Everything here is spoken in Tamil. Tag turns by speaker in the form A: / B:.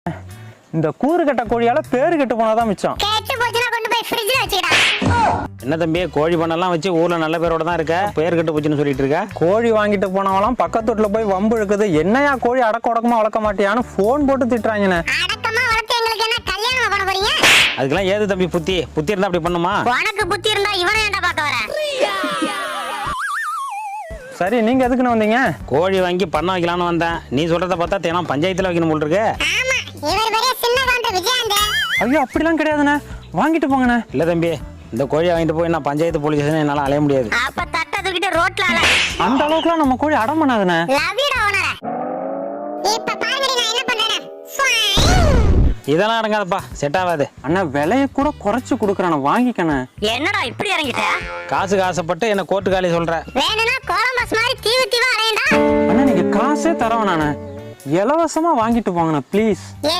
A: இந்த கூறு கட்ட கோழியால பேரு கெட்டு போனாதான் மிச்சம்.
B: என்ன தம்பி, கோழி பண்ணெல்லாம் வச்சு ஊர்ல நல்ல பேரோட தான் இருக்க, பேர் கெட்டு போச்சுன்னு சொல்லிட்டு இருக்க?
A: கோழி வாங்கிட்டு போனவங்களாம் பக்கத்து வீட்டுல போய் வம்பு இழுக்குது. என்னையா கோழி அடக்க உடக்கமா வளர்க்க மாட்டியான்னு போன் போட்டு திட்டுறாங்கண்ணே.
B: அதுக்கெல்லாம் ஏது தம்பி புத்தி இருந்தா அப்படி பண்ணுமா?
C: உனக்கு புத்தி இருந்தா இவனை ஏன்டா பார்க்க வர?
A: சரி, நீங்க எதுக்குன்னு வந்தீங்க?
B: கோழி வாங்கி பண்ண வைக்கலாம்னு வந்தேன். நீ சொல்றத பார்த்தா தினம் பஞ்சாயத்துல வைக்கணும் போல் இருக்கு.
A: ஐயோ, அப்படிலாம் கிடையாதுண்ணே, வாங்கிட்டு போங்கண்ணே.
B: இல்ல தம்பி, இந்த கோழியை வாங்கிட்டு போய் நான் பஞ்சாயத்து போலீஸ் ஸ்டேஷன் என்னால அலைய முடியாது.
C: அப்ப தட்ட தூக்கிட்டு ரோட்ல அல.
A: அந்த அளவுக்குலாம் நம்ம கோழி அடம் பண்ணாதுண்ணே.
B: இதெல்லாம் அடங்காதப்பா, செட் ஆகாது.
A: அண்ணா, விலைய கூட குறைச்சு கொடுக்குறானே, வாங்கிக்கண்ணே.
C: என்னடா இப்படி இறங்கிட்ட?
B: காசுக்கு ஆசைப்பட்டு என்ன கோர்ட்டு காலி சொல்ற?
C: வேணும்னா கோலம்பஸ் மாதிரி தீவா அலையண்டா.
A: அண்ணா, நீங்க காசே தரவேண்ணே, இலவசமா வாங்கிட்டு போங்கண்ணே ப்ளீஸ்.